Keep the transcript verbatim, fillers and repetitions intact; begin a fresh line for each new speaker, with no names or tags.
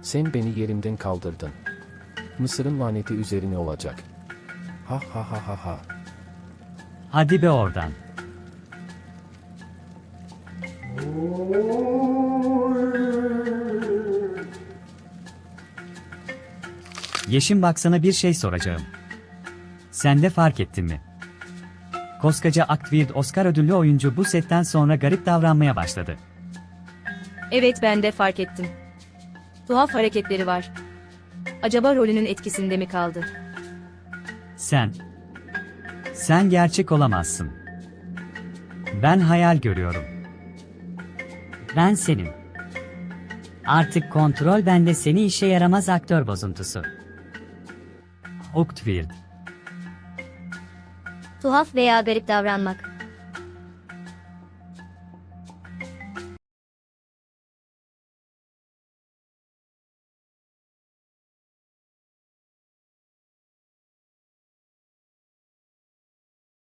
Sen beni yerimden kaldırdın. Mısır'ın laneti üzerine olacak. Ha ha ha ha ha.
Hadi be oradan. Yeşim bak sana bir şey soracağım. Sen de fark ettin mi? Koskoca Actweird Oscar ödüllü oyuncu bu setten sonra garip davranmaya başladı.
Evet, ben de fark ettim. Tuhaf hareketleri var. Acaba rolünün etkisinde mi kaldı?
Sen. Sen gerçek olamazsın. Ben hayal görüyorum.
Ben senin. Artık kontrol bende, seni işe yaramaz aktör bozuntusu.
Actweird.
Tuhaf veya garip davranmak.